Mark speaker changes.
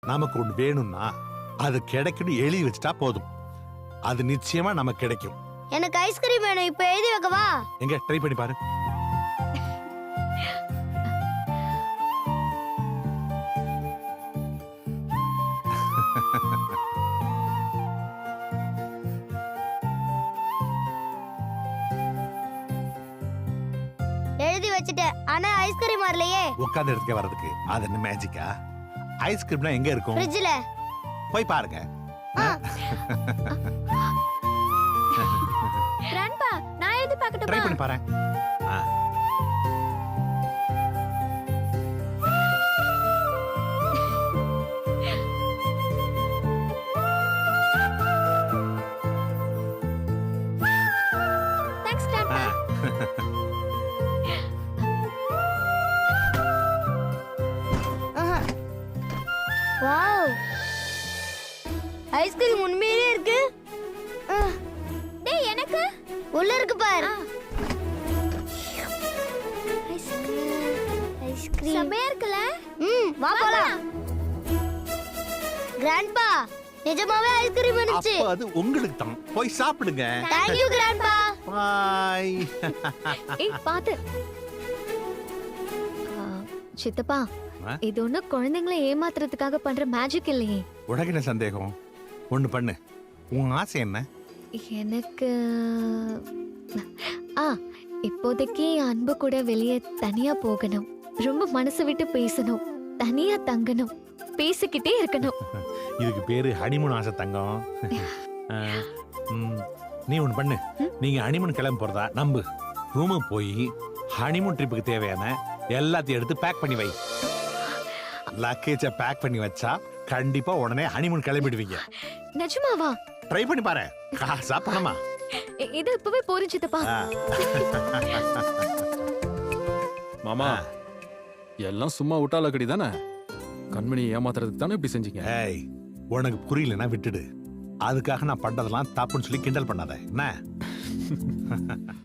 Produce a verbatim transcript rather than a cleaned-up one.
Speaker 1: நமக்கு ஒண்ணு வேணும்னா அது கிடைக்கணும் எழுதி வச்சுட்டா போதும். அது நிச்சயமா நமக்கு கிடைக்கும்.
Speaker 2: எனக்கு ஐஸ்கிரீம் வேணும், இப்ப எழுதி வைக்கவா?
Speaker 1: எங்க ட்ரை பண்ணி பாரு.
Speaker 2: எழுதி வச்சிட்டேன், ஆனா ஐஸ்கிரீம் வரலையே.
Speaker 1: உட்கார்ந்த இடத்துக்கே வர்றதுக்கு அது என்ன மேஜிக்கா? ஐஸ்கிரீம்னா எங்க இருக்கும்?
Speaker 2: ஃப்ரிட்ஜ்ல.
Speaker 1: போய் பாருங்க.
Speaker 2: கிராண்ட்பா, நான் எழுதி பார்க்கட்டுமா?
Speaker 1: ட்ரை பண்ணி பாரு.
Speaker 2: Thanks grandpa. வாவ், ஐஸ்கிரீம் உண்மையிலே இருக்கு. டேய், எனக்கு உள்ள இருக்கு பாரு. ஐஸ்கிரீம் செமையா இருக்குல? ம், வா போலாம். கிராண்ட்பா, நிஜமாவே ஐஸ்கிரீம் வந்துச்சு.
Speaker 1: அப்ப அது உங்களுக்கு தான். போய் சாப்பிடுங்க.
Speaker 2: Thank you grandpa.
Speaker 1: பை.
Speaker 3: ஏய் பாத்து. சித்தப்பா, இது ஒண்ணு குழந்தைங்களை ஏமாத்துறதுக்காக பண்ற மேஜிக் இல்லையே.
Speaker 1: உனக்கு என்ன சந்தேகம்? ஒண்ணு பண்ணு. உன் ஆசை என்ன?
Speaker 3: எனக்கு ஆ இப்போதைக்கு அன்பு கூட வெளியே தனியா போகணும், ரொம்ப மனசு விட்டு பேசணும், தனியா தங்கணும், பேசிக்கிட்டே இருக்கணும்.
Speaker 1: இதுக்கு பேரு ஹனிமூன் ஆசை தங்கம். நீ ஒண்ணு பண்ணு. நீங்க ஹனிமூன் கிளம்பி போறதா நம்பு. ரூமுக்கு போய் ஹனிமூன் ட்ரிப்புக்கு தேவையான எல்லாத்தையும் எடுத்து பேக் பண்ணி வை. லக்கேஜை பேக் பண்ணி வச்சா கண்டிப்பா உடனே ஹனிமூன் கிளம்பிடுவீங்க.
Speaker 3: நிஜமாவா?
Speaker 1: ட்ரை பண்ணி பாரு. காசா பணமா?
Speaker 3: இது இப்பவே போறேன் சித்தப்பா.
Speaker 4: மாமா, எல்லாம் சும்மா விட்டாலக்கடி தானே. கண்மணி ஏமாத்துறதுக்கு தானே இப்படி செஞ்சீங்க.
Speaker 1: ஏய், உனக்கு புரியலன்னா விட்டுடு. அதுக்காக நான் பண்றதெல்லாம் தப்புன்னு சொல்லி கிண்டல் பண்ணாத என்ன?